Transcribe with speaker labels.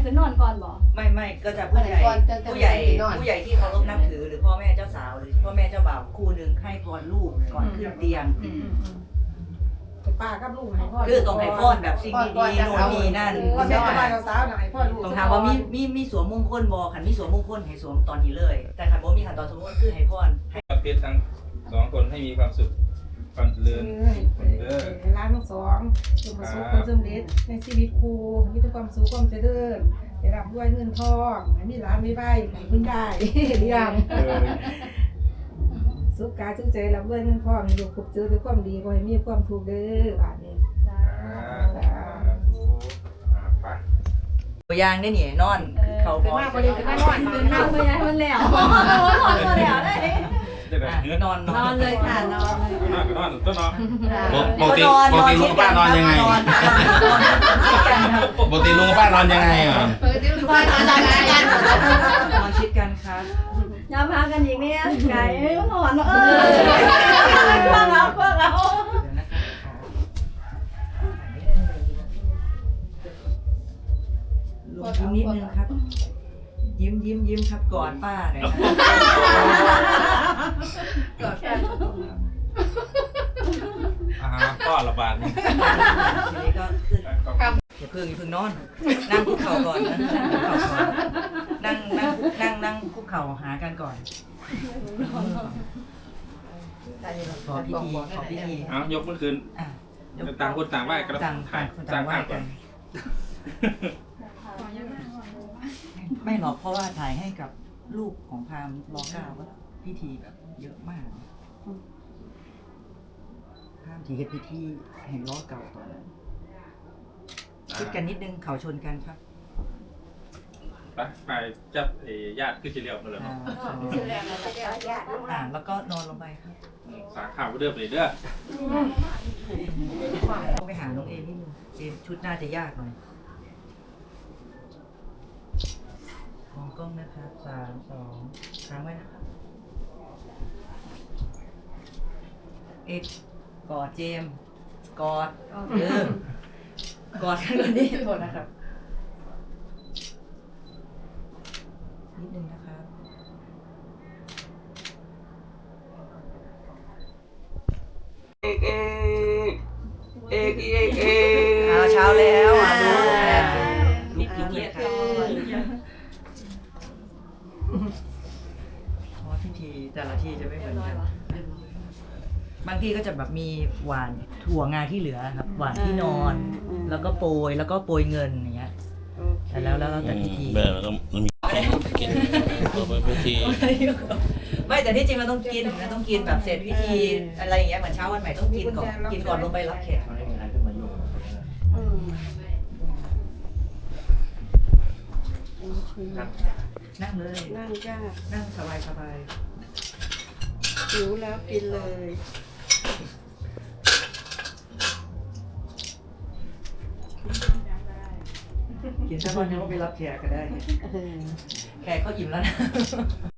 Speaker 1: คือนอนก่อนบ่
Speaker 2: ไม่ก็จะผู้ใหญ่ที่เคารพนับถือหรือพ่อแม่เจ้าสาวหรือพ่อแม่เจ้าบ่าวคู่หนึ่งให้พรลูกก่อนขึ้นเตียง
Speaker 3: ป้ากับลูกให้พ่อ
Speaker 2: คือตรงให้พรแบบสิ่งดีๆโน่นนี่นั่น
Speaker 3: พ่อแม่กับบ้านสาวให้พ่อลูก
Speaker 2: ต้องถามว่ามีสวมมงคลบ่ขันมีสวมมงคลให้สวมตอนนี้เลยแต่ขันบ่มีขันตอนสวมมงคลคือให้พร
Speaker 4: เพชรทั้ง2คนให้มีความสุขความเจริญ
Speaker 3: ร้านทั้งสองจงประสบผลสำเร็จในชีวิตครูมีแต่ความสุขความเจริญได้รับด้วยเงินทองมีร้านไม่ใบให้พึ่งได้เรียงสุขกายสุขใจรับด้วยเงินทองให้ลูกพบเจอด้วยความดีบ่ให้มีความทุกข์เด้อบาดนี้
Speaker 4: ไป
Speaker 2: ตัวอย่างได้นี่นอนเขาพอ
Speaker 3: มาบ่ได้ก็นอน
Speaker 1: นอนไปย้ายมันแล้วนอนบ่แล้วได้
Speaker 2: นอนเลยค่ะนอน
Speaker 4: นอนต้นนอน
Speaker 5: ปกติลุงป้านอนยังไงปกติลุงป้านอนยังไง
Speaker 2: ปกติลุงป้านอนยังไงนอนชิดกันครับ
Speaker 1: ย้ำพากันอีกเนี่ยไก่ก็นอนพวกเรา
Speaker 2: ลงยิ้มนิดนึงครับยิ้มครับกอดป้าหน่อยนะ
Speaker 1: กอดกัน
Speaker 4: ก็ระบาดนี่
Speaker 2: ทีนี้ก็ขึ้นอย่าเพิ่งนอนนั่งคุกเข่าก่อนนะนั่งคุกเข่าหากันก่อนขอพิธี
Speaker 4: ยกมือขึ้นต่างคนต่างไหว้กัน
Speaker 2: ต่างไหว้กันไม่หรอกเพราะว่าถ่ายให้กับลูกของพราหมณ์ร.9ก็พิธีแบบเยอะมากพราหมณ์ที่เฮ็ดพิธีแห่งร.9ตอนนั้นคิดกันนิดนึงเขาชนกันครับ
Speaker 4: ไปจับญาติขึ้นเฉลียวมาเลย
Speaker 2: แล้วก็นอนลงไปครับ
Speaker 4: สาขาเดิมเลยเด้อ
Speaker 2: ต้องไปหาน้องเอนิดนึงชุดน่าจะยากหน่อยมองกล้องนะครับ3 2ค้างไว้นะครับเอกกอดเจมกอดกอดกันก่อนดิโทษนะครับนิดนึงนะครับเอกเช้าแล้วดูลุกเลยครับพิธีแต่ละที่จะไม่เหมือนกันบางที่ก็จะแบบมีหวานถั่วงาที่เหลือครับหวานที่นอนแล้วก็โปรยเงินอย่างเงี้ยแต่แล้วแต่พิธี
Speaker 5: แบบมันมีกินพิธี
Speaker 2: ไม่แต่ที่จริงเราต้องกินแบบเสร็จพิธีอะไรอย่างเงี้ยเหมือนเช้าวันใหม่ต้องกินก่อนลงไปรับแขกนั่งเลย
Speaker 3: นั่งจ้า
Speaker 2: นั่งสบาย
Speaker 3: หิวแล้วกินเลย
Speaker 2: กินสักวันนึงก็ไปรับแขกก็ได้แขกเขาอิ่มแล้วนะ